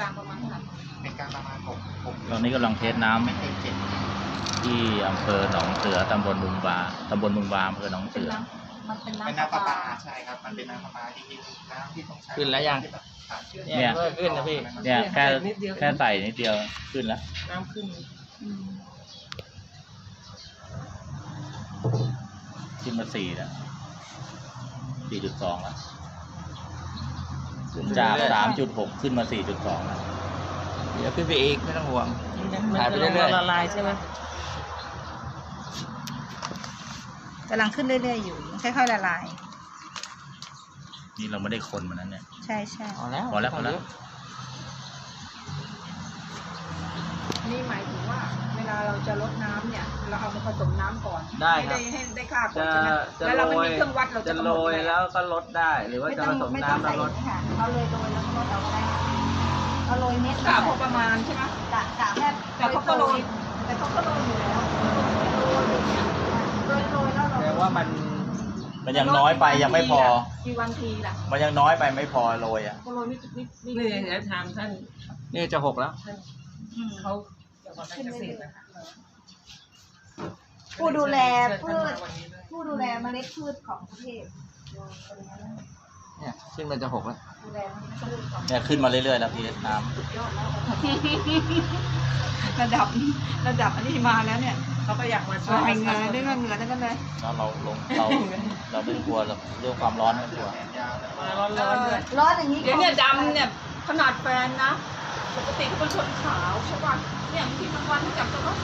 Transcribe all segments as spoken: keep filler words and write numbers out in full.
กลางประมาณเท่าไหร่เป็นกลางประมาณหกหกตอนนี้กำลังเทสน้ำไม่เกินเจ็ดที่อำเภอหนองเสือตำบลบุงบาตำบลบุงบาอำเภอหนองเสือมันเป็นน้ำเป็นน้ำประปาใช่ครับมันเป็นน้ำประปาจริงๆน้ำที่ต้องใช้ขึ้นแล้วยังเนี่ยขึ้นนะพี่เนี่ยแค่แค่ใส่นิดเดียวขึ้นแล้วน้ำขึ้นขึ้นมาสี่แล้วสี่จุดสองแล้วจากสามจุดหกขึ้นมาสี่จุดสองแล้วเดี๋ยวขึ้นไปอีกไม่ต้องห่วงถ่ายไปเรื่อยๆละลายใช่ไหมกำลังขึ้นเรื่อยๆอยู่ค่อยๆละลายนี่เราไม่ได้คนมันนั้นเนี่ยใช่ใช่พอแล้วพอแล้วพอแล้วนี่หมายถึงว่าเวลาเราจะลดน้ำเนี่ยเราเอามาผสมน้ำก่อนได้ครับให้ได้ค่าก่อนใช่ไหมแล้วเราไม่มีเครื่องวัดเราจะโรยแล้วก็ลดได้หรือว่าจะผสมน้ำแล้วลดเราเลยโรยแล้วก็ลดเอาได้เราโรยเม็ดกะพอประมาณใช่ไหมกะกะแค่แต่เขาก็โรยแต่เขาก็โรยอยู่แล้วโรยเนี่ยโรยโรยแล้วเราแต่ว่ามันมันยังน้อยไปยังไม่พอกี่วันทีล่ะมันยังน้อยไปไม่พอโรยอ่ะโรยนิดนิดนิดนี่เดี๋ยวทำท่านนี่จะหกแล้วเขาเกษตรนะคะผู้ดูแลพืชผู้ดูแลเมล็ดพืชของประเทศเนี่ยขึ้นมันจะหกแล้วเนี่ยขึ้นมาเรื่อยๆแล้วพี่น้ำระดับระดับอันนี้มาแล้วเนี่ยเขาก็อยากมาช่วยเงินด้วยเงินเงินนั่นกันเลยแล้วเราลงเราเราไม่กลัวเรื่องความร้อนไม่กลัวร้อนร้อนเลยร้อนอย่างนี้เดี๋ยวเนี่ยดำเนี่ยขนาดแฟนนะปกติเขาเป็นคนขาวใช่ป่ะเนี่ยบางทีบางวันเขาจับตัวก็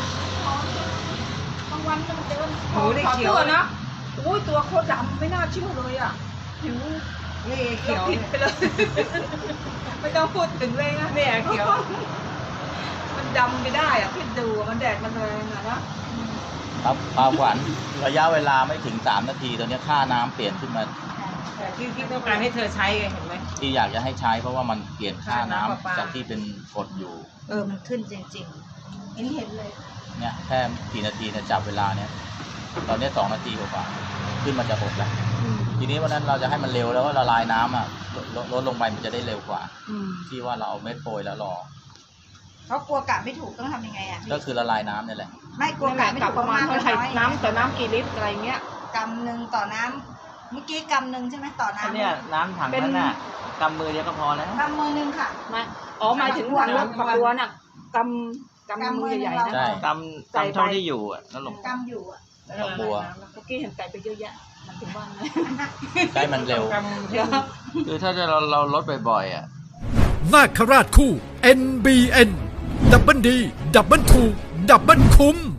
บางวันมันเดินขอตัวนะอุ้ยตัวโคตรดำไม่น่าเชื่อเลยอ่ะผิวเละเขียวผิดไปเลยไม่ต้องพูดถึงเลยนะเนี่ยเขียวมันดำไปได้อ่ะพี่ดูมันแดดมันแรงอ่ะนะครับปลาขวัญระยะเวลาไม่ถึงสามนาทีตอนนี้ค่าน้ำเปลี่ยนขึ้นมาที่ที่ต้องการให้เธอใช้เห็นไหมที่อยากจะให้ใช้เพราะว่ามันเปลี่ยนค่าน้ำจากที่เป็นกดอยู่เออมันขึ้นจริงๆเห็นเห็นเลยเนี่ยแค่กี่นาทีเนี่ยจับเวลาเนี่ยตอนนี้สองนาทีกว่าขึ้นมาจะหกแล้วทีนี้วันนั้นเราจะให้มันเร็วแล้วก็ละลายน้ำอ่ะลดลดลงไปมันจะได้เร็วกว่าที่ว่าเราเอาเม็ดโปรยแล้วรอเขากลัวกะไม่ถูกต้องทำยังไงอ่ะก็คือละลายน้ำนี่แหละไม่กลัวกะไม่ถูกประมาณเท่าไหร่น้ำต่อน้ำกี่ลิตรอะไรเงี้ยกำหนึ่งต่อน้ำเมื่อกี้กำหนึ่งใช่ไหมต่อน้ำเนี่ยน้ำถังนั้นน่ะกำมือเดียวก็พอแล้วกำมือหนึ่งค่ะมาอ๋อหมายถึงถังฝักบัวน่ะกำกำมือใหญ่ๆนะกำกำเท่าที่อยู่อ่ะนั่นหลงกำอยู่อ่ะฝักบัวเมื่อกี้เห็นไก่ไปเยอะแยะมันถึงบ้านเลยใกล้มันเร็วคือถ้าเราเราลดบ่อยๆอ่ะนาคราชคู่ เอ็น บี เอ็น ดับเบิลดีดับเบิลถูกดับเบิลคุ้ม